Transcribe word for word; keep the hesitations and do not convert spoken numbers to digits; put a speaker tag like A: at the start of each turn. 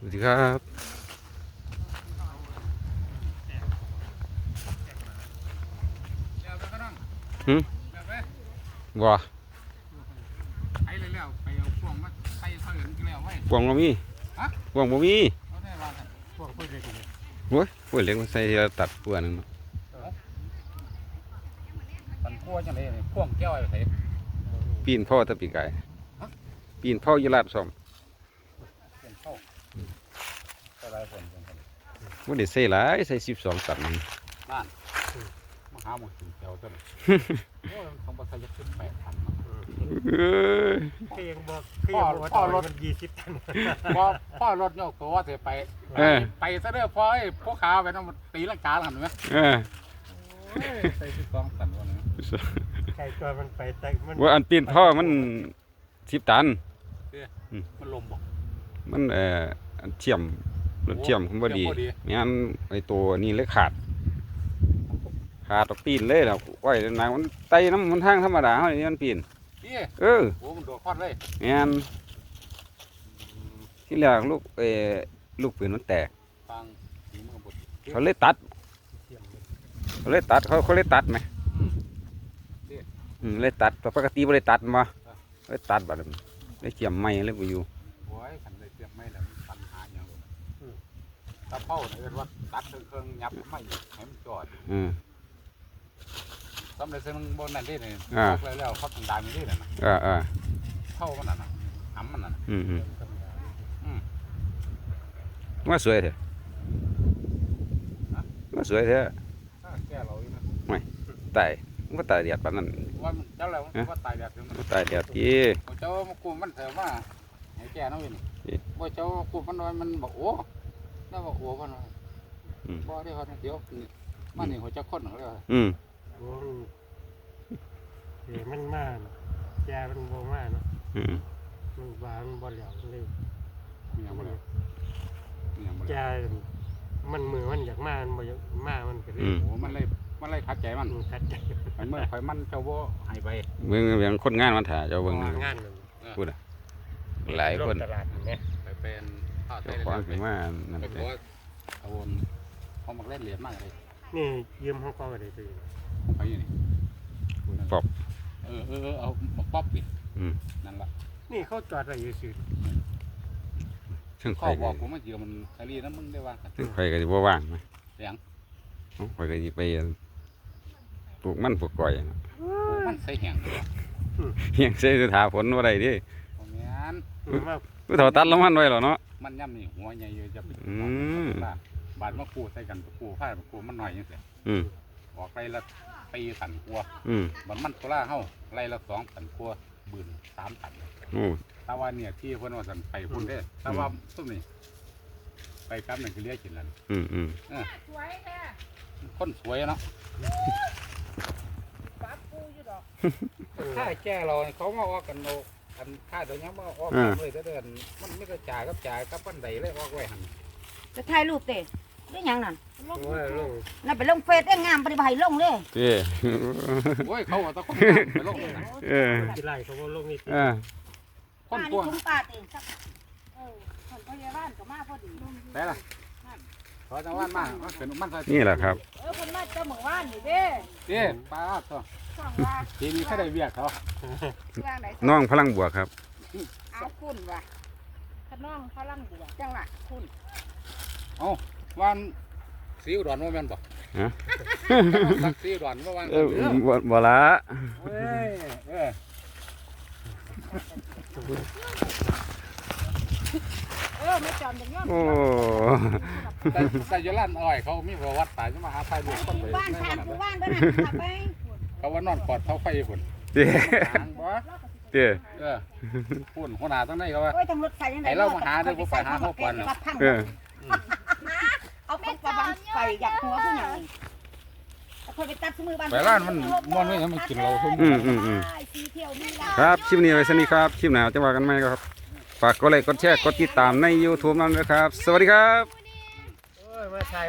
A: สวัสดีครับหืมบ่
B: ไปเลยแล้วไปเอาพวงมาใส่เสลิงกันแล้วไว้
A: พวงบ่มี
B: ฮะ
A: พวงบ่มี
B: เขาได้ว่ากันพวงเพื่อเด็กนี่
A: โอ้ยพวกเล็กมันใส่ทีละตัดพวกนึงเนาะ
B: ปันพวงจังเลยพวงแก้วอะไรใส่
A: ปีนพ่อตะปีกไก่ปีนพ่อยีราฟซ้อม
B: เป็นเข้าใส่หลายคน
A: บ่ได้ใส่หลายใส่สิบสองตัดนึง
B: นั่นมาหาหมดถึงแก้วต้นโอ้ยต้องมาใส่ยักษ์ขึ้นแปดพัน
A: เอ้ย
C: เพียงบอกเพียงบอกต่อรถมันยี่สิบตัน
B: พอพ่อรถโยกตัวเสียไปไปซะเด้อพ่อไอ้พวกขาวไปต้องตีลังกาหันไหม
A: เออ
B: ใส่สิบสองตันวันนี้
C: ใช่ตัวมันไปแต่มัน
A: ว่าอันปีนพ่อมันสิบตัน
B: มันลมบอก
A: มันเอ่ออันเชื่อมรถเชื่อมผมบ่ดีไม่งั้นไอ้ตัวนี้เลยขาดขาดตกปีนเลยแล้วไว้นางมันไต่น้ำมันทางธรรมดาเฮานี่มันปีนเออ
B: โอ้มันโดดคอดเลย
A: งั้นที่แรกลูกเอ่อลูกปืนมันแตกเขาเลยตัดเขาเลยตัดเขาเขาเลยตัดไหมอืมเลยตัดปกติไม่ได้ตัดมาเลยตัดบัดนี้เลยเกี่ยมไม้เลยไปอยู่
B: โอ้ยขันเลยเกี่ยมไม้แล้วปัญหาอย่างตะเภาเนี่ยว่าตัดเครื่องยับไม่ให้มันจอด
A: อืม
B: สำเร็จซึ่งบนนั่นที่นี่เขาเลยแล้วเขาทำดามนี่น่ะ
A: เออเออ
B: เท่ามันน่ะหำมันน่ะ
A: อืมอืมว่าสวยเถอะว่าสวยเถอะ
B: แก่เราอีกนะ
A: ไม่ตายมันก็ตายเดียดปานนั้น
B: ว่าเจ้าแล้วว่าตายเดียดถึง
A: มันตายเดียดที่
B: เจ้ามากูมันเถอะว่าไอ้แก่น้องวินว่าเจ้ากูมันน้อยมันบอกโอ้แล้วบอกโอ้มันน้อยบ่ได้เขาเดี๋ยวมันนี่หัวจะค้นเขาเลย
A: อืม
C: โอ้เดี๋ยวมันมาแกมันโบมาเนาะมันบางบ่เหลียวเลยแกมันมือมันอยากมามันบ่อยากมามันก็เลย
B: โอ้มันเลยมันเลยขัดใจมัน
C: ขัดใจ
B: ไอ้เมื่อไฟมันเจ้าโบหายไป
A: เบิ่งเบิ่งคนงานมันถ่าเจ้าเบิ่ง
C: งาน
A: พูดอ่ะหลายคน
C: ตลาดเนี่ย
B: ไปเป็นข้าวไทย
A: เลยไปว่านั่น
B: เป็นว่าเอาวนเขามาเล่นเหรียญมากเลย
C: นี่ยืมห้องก็ได้ตัว
B: ไปอยู่นี่
A: ปอบ
B: เออเออเอาป๊อปปิดนั่นละ
C: นี่เขาจอดอะไรอยู่สิ
A: ซึ่ง
B: เขาบอกผมว่าเดี๋ยวมันคดีนั้นมึงได้ว่า
A: ซึ่งใครก็จะบ่ว่างไหม
B: เสียง
A: ใครก็จะไปปลูกมันปลูกก้อย
B: มันใส่แห้ง
A: แห้งใส่ถาฝนว่าไรดิ
B: มัน
A: ถอตัดแล้วมันไว้หรอเนาะ
B: มันย่ำนี่หัวใหญ่เยอะจะไปบาดมะกรูดใส่กันมะกรูดผ้ามะกรูดมันหน่อยยังเสียออกไรละตีสันกลัวบันมันตัวล่าเข้าไรละสองสันกลัวบืนสามสันแต่ว่าเนี่ยที่เพื่อนว่าสันไปพุ่นได้แต่ว่าตุ้มนี่ไปกับหนึ่งคือเลี้ยกินแล้ว
A: อืมอืม
B: สวยแท้คนสวยเนาะถ้าแก่เราเขามาออกกันโนอันค่าตัวนี้มาออกเลยจะเดินมันไม่กระจายกับจ่ายกับปั้นใดเลยออกไว้หัน
D: จะถ่ายรูปเตะได้ยังนั่นนั่นไปลงเฟซได้งามปฏิบัติลงเลย
A: เจ้
B: โอ้ยเขาตะคนไปลง
A: เออ
C: ที่ไรเขาลงนี่
A: เออ
D: คนตัวคุ้มปาเองเออคนพยาบาลก็มาพอดี
B: ได้ละขอจังหวัดมาเป็นมัน
A: นี่แหละครับ
D: เออคนมาเจ้าหมู่บ้านนี่เด้
B: เด้ป้าตัวทีนี้แค่ได้เบียกเขา
A: น้องพลังบวกครับ
D: เอาคุณว่ะขน้องพลังบวกจังหวะคุณ
B: เอาวันสีอุดรว่าแม่นบ่
A: ฮะ
B: สักสีอุดรว่าวัน
A: เออบ่ละ
B: เอ้ยเออ
D: เออไม่จอมอย่างเงี้ย
A: โอ้
B: แต่แต่ยลั่นอ้อยเขามีประวัติตายจะมาหาไฟบุกคนไป
D: บ้านทางผู้บ้านบ้านขับไป
B: เขาว่านอนปอดเขาไฟฝุ่น
A: เจ้เจ้
B: เออฝุ่นหัวหน้าตั้งไหนเขาว่า
D: ไอ้
B: เรามาหาเดี๋ยวไปหาเขาก่อน
A: เออ
D: เอาไปกระบังไฟอยากหัวขึ้นอย่าง
B: ไปร้านมันมันไม่ยังไม่กินเราทุ่ม
A: อืมอืมอืมครับคลิปนี้ไว้สนิทครับคลิปหน้าจะว่ากันไหมครับฝากกดไลค์กดแชร์กดติดตามใน ยูทูบ นั่นนะครับสวัสดีครับ